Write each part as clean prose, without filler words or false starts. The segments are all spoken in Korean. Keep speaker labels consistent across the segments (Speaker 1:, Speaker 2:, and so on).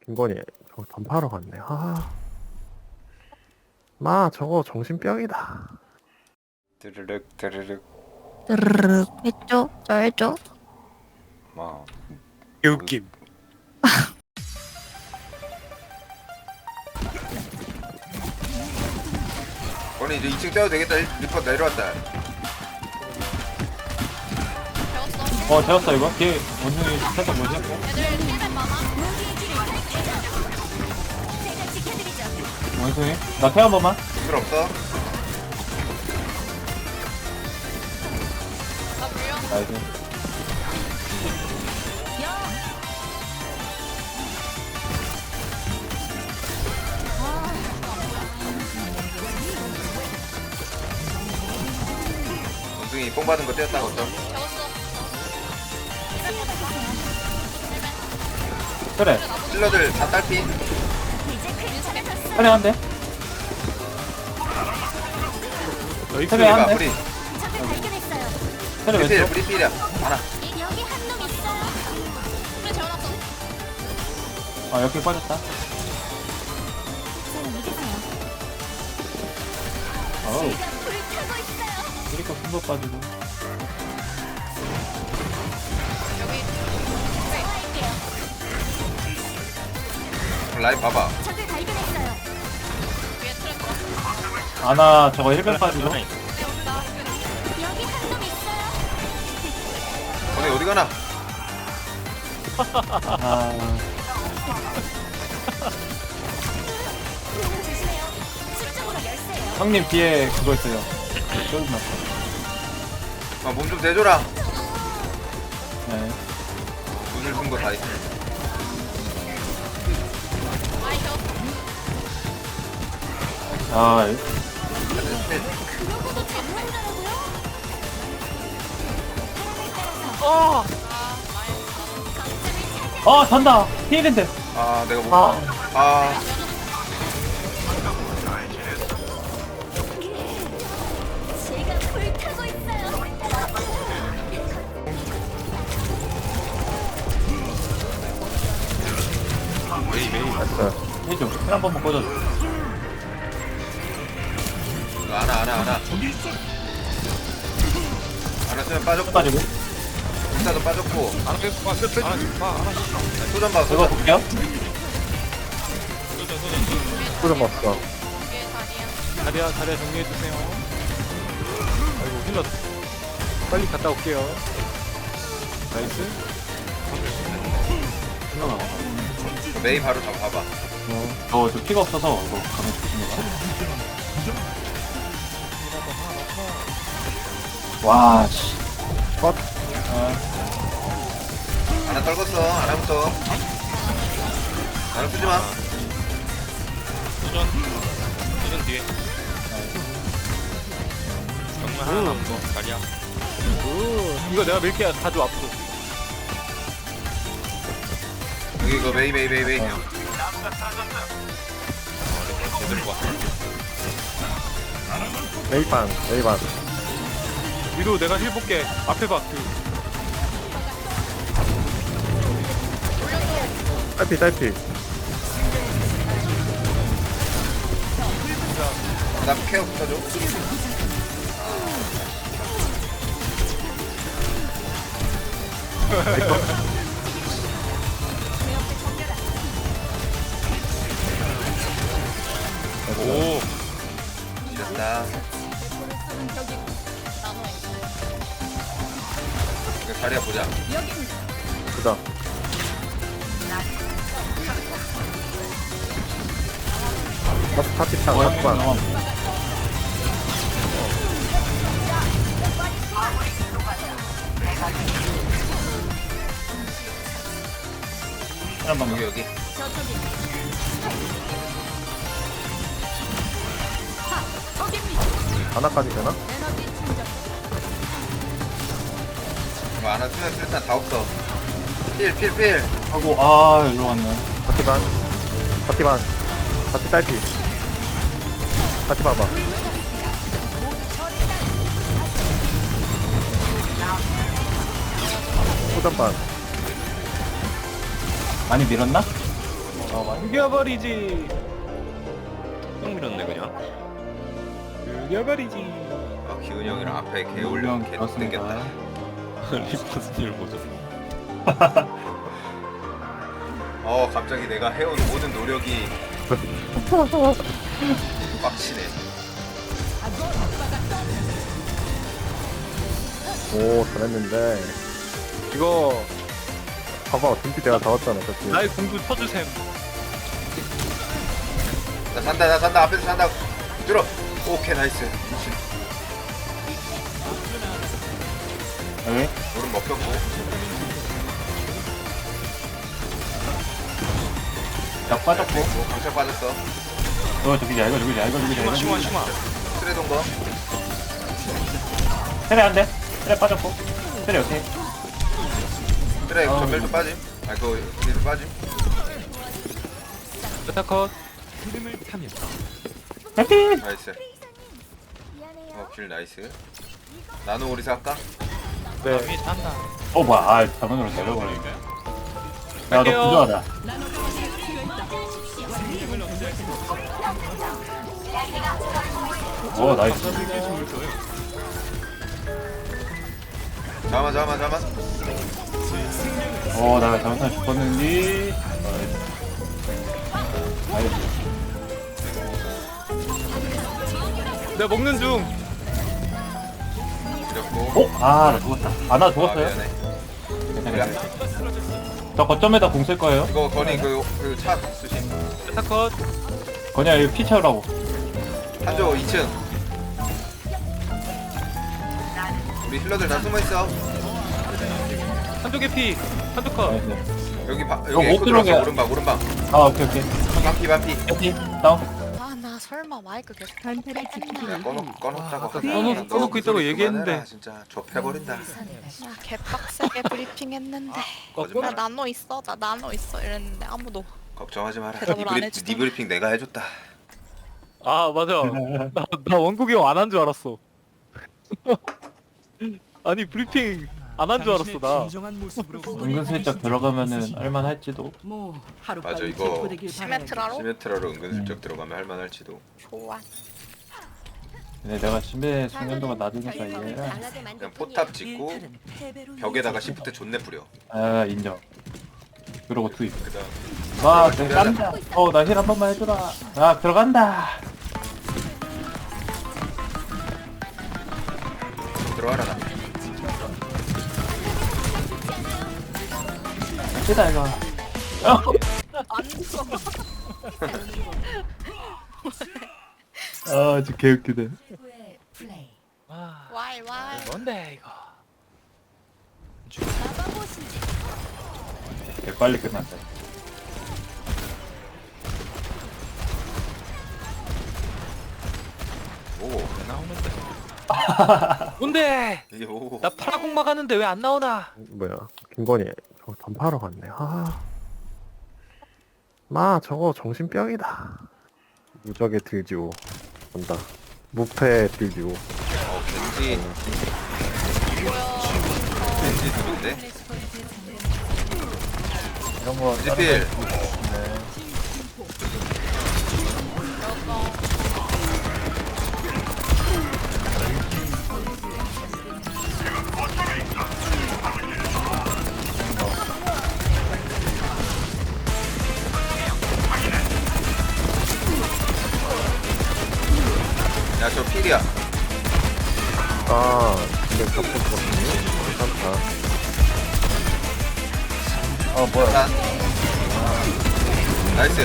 Speaker 1: 김건희 저거 던파러 갔네. 마 저거 정신병이다.
Speaker 2: 드르륵 드르륵.
Speaker 3: 드르륵 했죠? 저 해줘?
Speaker 2: 막
Speaker 4: 개웃김.
Speaker 2: 아니 이제 2층 떼도 되겠다. 리퍼 내려왔다.
Speaker 5: 재웠어 이거? 뒤에 원숭이 살짝 뭐지? 원숭이? 나 태워 번만.
Speaker 2: 필요 없어.
Speaker 5: 나이스.
Speaker 2: 원숭이 뽕 받은 거 떼었다 어쩜.
Speaker 5: 그래.
Speaker 2: 힐러들 다 딸피.
Speaker 5: 그래 한 대.
Speaker 4: 너희
Speaker 5: 그래 한
Speaker 2: 우리가
Speaker 5: 대.
Speaker 2: 우리
Speaker 5: 그래
Speaker 2: 우리 필
Speaker 5: 왼쪽.
Speaker 2: 우리 필이야. 하나.
Speaker 5: 아 여기 빠졌다. 어우. 이렇게 큰거 빠지고.
Speaker 2: 라인 봐봐.
Speaker 5: 아나 저거 1변 빠지고.
Speaker 2: 어디 가나?
Speaker 5: 아. 형님 뒤에 그거 있어요. 쫄나.
Speaker 2: 몸 좀 대줘라.
Speaker 5: 네.
Speaker 2: 눈을 든 거 다 있어.
Speaker 5: 아, 잔다. 피해인데.
Speaker 2: 아 내가 못. 아
Speaker 1: 됐어요.
Speaker 5: 해줘. 힐한 번만 꽂아줘.
Speaker 2: 이거 하나 쓰면 빠졌고.
Speaker 5: 빠지고.
Speaker 2: 인사도 빠졌고.
Speaker 4: 안 계속 봐. 끝.
Speaker 2: 소전 봐.
Speaker 5: 이거
Speaker 2: 소전.
Speaker 5: 볼게요.
Speaker 1: 소좀 봤어.
Speaker 4: 자리야 정리해 주세요. 아이고 힐러 빨리 갔다 올게요. 나이스.
Speaker 2: 메이 바로 잡아봐.
Speaker 5: 저 피가 없어서 이거 가면 조심해봐. 와, 씨.
Speaker 1: 컷.
Speaker 2: 하나 떨궜어. 하나부터. 하나 쓰지 마.
Speaker 6: 수전 뒤에 정말 하나 남은 거 자리야.
Speaker 4: 이거 내가 밀게 가져 앞으로.
Speaker 2: 여기 이거 메이.
Speaker 6: 제대로 봤어.
Speaker 1: 메이반.
Speaker 4: 위로 내가 힐 볼게. 앞에 봐.
Speaker 1: 딸피.
Speaker 2: 나 케어 붙여줘.
Speaker 6: 오,
Speaker 2: 이겼다. 이거 자리야 보자.
Speaker 1: 그다. 파티창 한번.
Speaker 5: 힐한 번만.
Speaker 2: 여기.
Speaker 1: 하나까지 되나?
Speaker 2: 이거 하나 쓰면 일단 다 없어. 필.
Speaker 5: 하고, 일로 왔네.
Speaker 1: 파티 딸피. 파티 봐봐. 소전반.
Speaker 5: 많이 밀었나?
Speaker 4: 죽여버리지.
Speaker 6: 똥 밀었네 그냥.
Speaker 4: 죽여버리지.
Speaker 2: 아 기훈이 형이랑 앞에 개 올려 개 땡겼다.
Speaker 6: 리퍼스님 보죠.
Speaker 2: 갑자기 내가 해온 모든 노력이 빡치네.
Speaker 1: 오 잘했는데
Speaker 4: 이거
Speaker 1: 봐봐 등피 내가 잡았잖아 그치?
Speaker 4: 나의 공도 쳐주셈.
Speaker 2: 나 산다 앞에서 산다. 들어. 오케이 나이스.
Speaker 5: 여기
Speaker 2: 오른 먹혔고.
Speaker 5: 약 빠졌고.
Speaker 2: 강철 빠졌어.
Speaker 5: 이거 죽이자 이거 죽이자 이거 죽이자 이거
Speaker 6: 심화
Speaker 5: 죽이자.
Speaker 6: 심화.
Speaker 2: 트레 동거.
Speaker 5: 테레 한대. 테레 빠졌고. 테레 오케이.
Speaker 2: 트레 전멸도 빠짐. 아 그거 뒤도 빠짐.
Speaker 4: 베타컷.
Speaker 5: 해피.
Speaker 2: 나이스. 길 나이스. 나노 오리사 할까?
Speaker 4: 네.
Speaker 6: 남이 탄다.
Speaker 5: 뭐야 아 자문으로 내려버리네. 야너
Speaker 4: 갈게요.
Speaker 5: 부조하다. 오 나이스.
Speaker 2: 잠깐만.
Speaker 5: 나 잘못하면 죽었는데. 나이스.
Speaker 4: 내가 먹는 중.
Speaker 2: 이겼고.
Speaker 5: 나 죽었다. 나 죽었어요?
Speaker 2: 미안해.
Speaker 5: 괜찮아요. 저 거점에다 공 쓸 거예요.
Speaker 2: 이거 건이 그차 쓰심.
Speaker 4: 베타컷.
Speaker 5: 거냐 이거 피 채우라고.
Speaker 2: 한조 2층. 우리 힐러들 다 숨어 있어.
Speaker 4: 한쪽 개피. 한쪽 컷.
Speaker 5: 나이스.
Speaker 2: 여기
Speaker 5: 이거
Speaker 2: 여기
Speaker 5: 못
Speaker 2: 에코 들어왔어.
Speaker 5: 들어오게.
Speaker 2: 오른방.
Speaker 5: 오케이.
Speaker 2: 반피.
Speaker 5: 해피 다운.
Speaker 3: 아, 나 설마 마이크 계속
Speaker 7: 단타를 지키기
Speaker 2: 야 꺼놓자고.
Speaker 4: 꺼놓고 있다고 얘기했는데.
Speaker 2: 진짜 좁혀버린다.
Speaker 3: 나 개빡세게 브리핑했는데. 나 나노 있어, 나 나노 있어 이랬는데 아무도.
Speaker 2: 걱정하지 마라.
Speaker 3: 대답을 안 해주더라.
Speaker 2: 네 브리핑 내가 해줬다.
Speaker 4: 아 맞아. 나 원국이 형 안 한 줄 알았어. 아니 브리핑 안 한 줄 알았어 나.
Speaker 5: 은근슬쩍 들어가면은 할만할지도.
Speaker 2: 맞아 이거
Speaker 3: 시메트라로?
Speaker 2: 시메트라로 은근슬쩍 들어가면 할만할지도.
Speaker 3: 좋아.
Speaker 5: 근데 내가 심해 숙련도가 낮으니까 이해라.
Speaker 2: 그냥 포탑 짓고 벽에다가 시프트 존내 뿌려.
Speaker 5: 인정. 그러고 투입.
Speaker 2: 그다음
Speaker 5: 들어간다. 나 힐 한 번만 해주라. 들어간다.
Speaker 2: 들어와라 나.
Speaker 5: 시다 이거.
Speaker 3: 안 죽어.
Speaker 5: 진짜 개웃기네.
Speaker 4: 아
Speaker 3: 와이.
Speaker 4: 뭔데 이거.
Speaker 5: 개 빨리 끝났다.
Speaker 2: 오
Speaker 6: 왜 나오는데?
Speaker 4: 뭔데?
Speaker 2: 이게 오.
Speaker 4: 나 파라공 막았는데 왜 안 나오나?
Speaker 1: 뭐야 김건희 저거 던파하러 갔네 마 저거 정신병이다 무적의 딜지오 온다 무패 딜지오
Speaker 2: 겐지. 겐지 누군데?
Speaker 5: 이런 거.
Speaker 2: 겐지 필. 야 저 필이야.
Speaker 1: 근데 잡혔거든요 괜찮다
Speaker 5: 뭐야.
Speaker 2: 난. 나이스.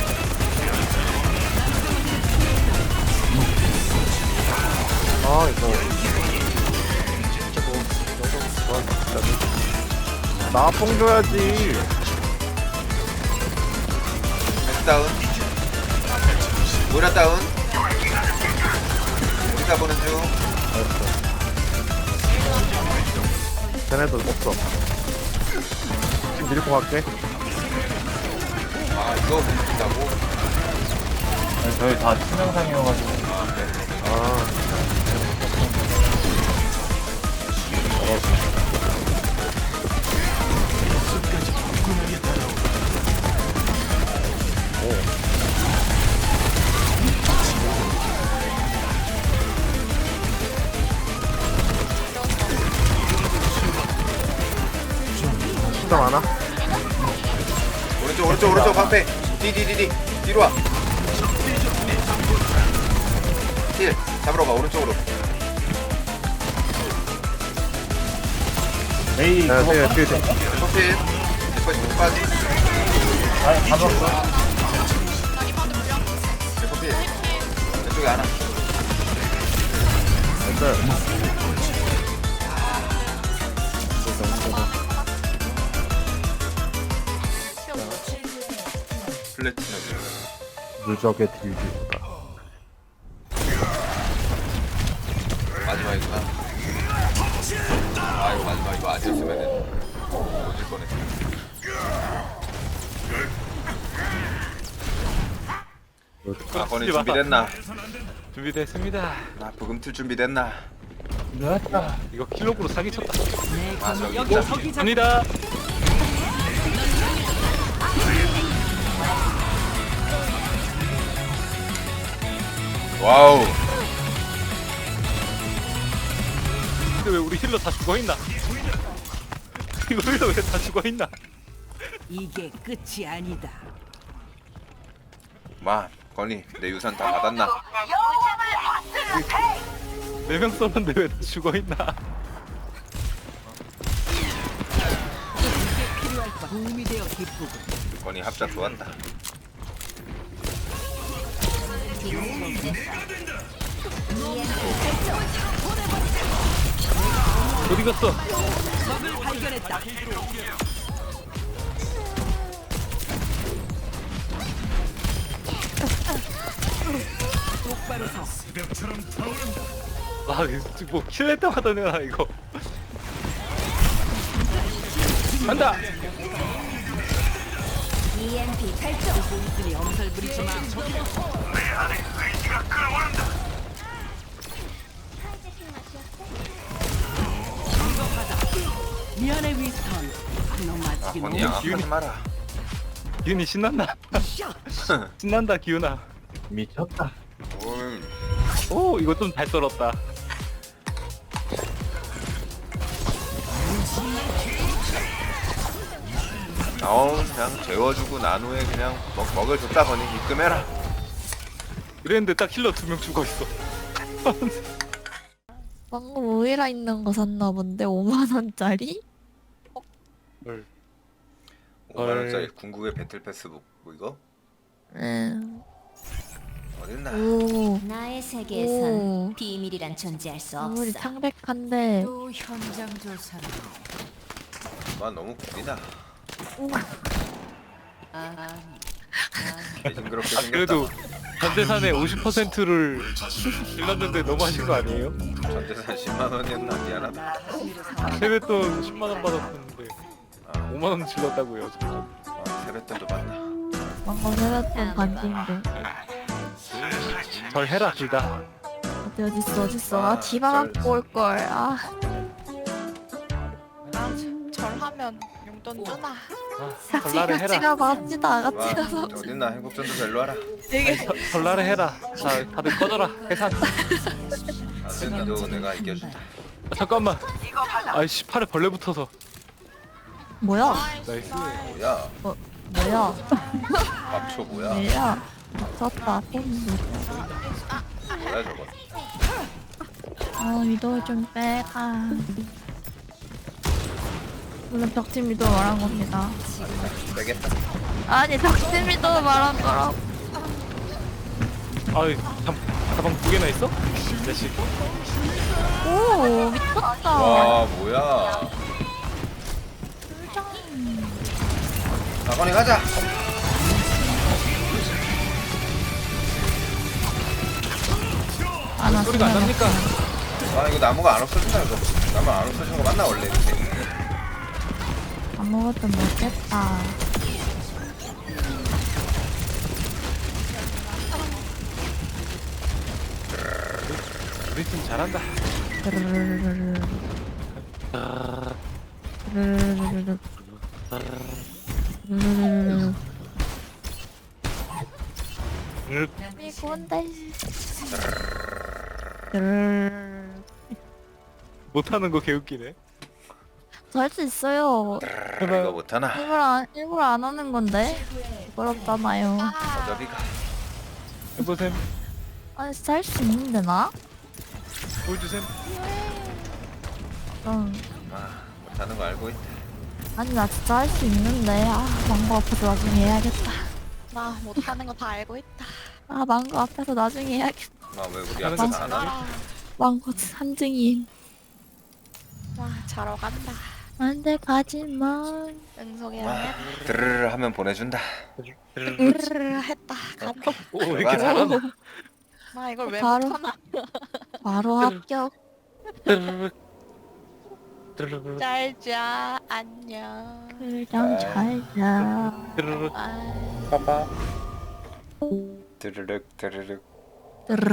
Speaker 1: 이거 나뽕 줘야지
Speaker 2: 벤츠 다운. 모라 다운. 우리가 보는 중.
Speaker 1: 쟤네도 없어 지금 밀고 갈게
Speaker 2: 이거 못 준다고?
Speaker 5: 저희 다 치명상이어가지고.
Speaker 2: 오른쪽 방패. 디디디디 뒤로 와. 힐 잡으러 가 오른쪽으로.
Speaker 5: 메이
Speaker 1: 야,
Speaker 5: 그거
Speaker 1: 뒤에
Speaker 2: 커필.
Speaker 1: 뒤에.
Speaker 2: 리퍼 빠지.
Speaker 5: 아니 가봤어.
Speaker 2: 커필. 왼쪽에 하나. 플래티넘.
Speaker 1: 누적의 딜기보다.
Speaker 2: 마지막이구나. 아 이거 마지막 이거 아니었으면은 오질 뻔했어. 아 건이 준비됐나?
Speaker 4: 준비됐습니다.
Speaker 2: 나 부금틀 준비됐나?
Speaker 5: 나왔다.
Speaker 4: 이거 킬로그로 사기쳤다.
Speaker 2: 아 저기 있다.
Speaker 4: 갑니다.
Speaker 2: 와우.
Speaker 4: 근데 왜 우리 힐러 다 죽어있나? 이거 힐러 왜 다 죽어있나?
Speaker 7: 이게 끝이 아니다.
Speaker 2: 마 건이 내 유산 다 받았나?
Speaker 4: 4명 썼는데 왜 다 죽어있나?
Speaker 7: 필요할 것 도움이 되어 기쁘고.
Speaker 2: 건이 합작 좋았다.
Speaker 4: 어디 갔어?
Speaker 7: 적을 발견했다. 똑바로 서.
Speaker 4: 아, 뭐 킬낼 때마다 내가 이거. 간다.
Speaker 7: EMP 발동. 있으니 엄살 부리지 마. 이거 받아. 미안해 위스턴. 너
Speaker 2: 아
Speaker 7: 맞기
Speaker 2: 건이
Speaker 7: 너무
Speaker 2: 양악하지 마라.
Speaker 4: 기훈이 신난다. 신난다, 기훈아.
Speaker 5: 미쳤다.
Speaker 4: 오, 이거 좀 잘 썰었다.
Speaker 2: 그냥 재워주고 난 후에 그냥 먹을 줬다 건이 입금해라.
Speaker 4: 이랬는데 딱 힐러 2명 죽어있어.
Speaker 3: 방금 오이라 있는 거 샀나 본데 5만 원짜리?
Speaker 2: 5만원짜리 궁극의 배틀 패스북 뭐 이거?
Speaker 3: 응.
Speaker 2: 어딨나?
Speaker 3: 오.
Speaker 8: 나의 세계에선
Speaker 3: 오.
Speaker 8: 비밀이란 존재할 수
Speaker 3: 아무리
Speaker 8: 없어.
Speaker 3: 창백한데.
Speaker 7: 또 현장 조사로.
Speaker 2: 와 너무 구리다.
Speaker 7: 아,
Speaker 2: 개징그럽게
Speaker 4: 아,
Speaker 2: 생겼다.
Speaker 4: 그래도 전재산의 50%를 질렀는데 너무 하신 거 아니에요?
Speaker 2: 전재산 10만원이었나? 미안하다.
Speaker 4: 세뱃돈 10만원 받았었는데
Speaker 2: 아,
Speaker 4: 5만원 질렀다고요.
Speaker 2: 세뱃돈도 받나?
Speaker 3: 방금 해봤던 반지인데.
Speaker 4: 절 해라, 둘 다.
Speaker 3: 어딨어. 아, 디바 갖고 올걸. 아. 절하면 용돈 주나?
Speaker 4: 전라를
Speaker 3: 같이
Speaker 4: 해라.
Speaker 3: 갑시다. 같이
Speaker 2: 와
Speaker 3: 가서.
Speaker 2: 어딨나? 행복전도 일로 와라.
Speaker 4: 전라를 해라. 자, 다들 꺼져라. 해산.
Speaker 2: 아들기도 내가 이겨준다.
Speaker 4: 아, 잠깐만. 아이씨, 팔에 벌레 붙어서.
Speaker 3: 뭐야?
Speaker 4: 나이스.
Speaker 2: 뭐야?
Speaker 3: 뭐야?
Speaker 2: 밥초 뭐야?
Speaker 3: 뭐야? 미쳤다. 폰도.
Speaker 2: 뭐야 저거?
Speaker 3: 위도 좀 빼가. 물론 덕진 미도 말한 겁니다.
Speaker 2: 빼겠다.
Speaker 3: 아니 덕진 미도 말한 거라고.
Speaker 4: 아이, 가방 2개나 있어? 이 자식.
Speaker 3: 오 미쳤다.
Speaker 2: 와 뭐야? 나건이 가자.
Speaker 3: 아, 나
Speaker 4: 소리가 안 납니까?
Speaker 2: 아 이거 나무가 안 없어진다 이거. 나무 안 없어지는 거 맞나 원래 이렇게?
Speaker 3: 아무것도 못했다.
Speaker 4: 우리 팀 잘한다.
Speaker 3: 드르르르르르. 드르르르르르. 드르르르르르. 이건데. 드르르르르.
Speaker 4: 못하는 거 개웃기네.
Speaker 3: 저 할 수 있어요.
Speaker 2: 이거 못하나?
Speaker 3: 일부러 안 하는 건데.
Speaker 9: 부끄럽잖아요.
Speaker 2: 어차피가
Speaker 4: 해보셈.
Speaker 9: 아니 진짜 할 수 있는데 나?
Speaker 4: 보여주셈.
Speaker 2: 못하는 거 알고 있다.
Speaker 9: 아니 나 진짜 할 수 있는데 망고 앞에서 나중에 해야겠다.
Speaker 3: 나 못하는 거 다 알고 있다.
Speaker 9: 망고 앞에서 나중에 해야겠다.
Speaker 2: 왜 우리
Speaker 4: 하는
Speaker 2: 앞에서
Speaker 4: 거
Speaker 2: 안 하나?
Speaker 9: 망고 산증인.
Speaker 3: 와 자러 간다.
Speaker 9: 안돼 가지마.
Speaker 3: 응석이랑
Speaker 2: 드르르 하면 보내준다.
Speaker 3: 으르르 했다. 간다.
Speaker 4: 오, 왜 이렇게 잘하나?
Speaker 3: 나 이걸 왜
Speaker 9: 바로-
Speaker 3: 못하나?
Speaker 9: 바로 합격.
Speaker 3: 잘자 안녕.
Speaker 9: 그냥 잘자.
Speaker 4: 드르륵.
Speaker 3: 아.
Speaker 2: 빠빠. 드르륵 드르륵.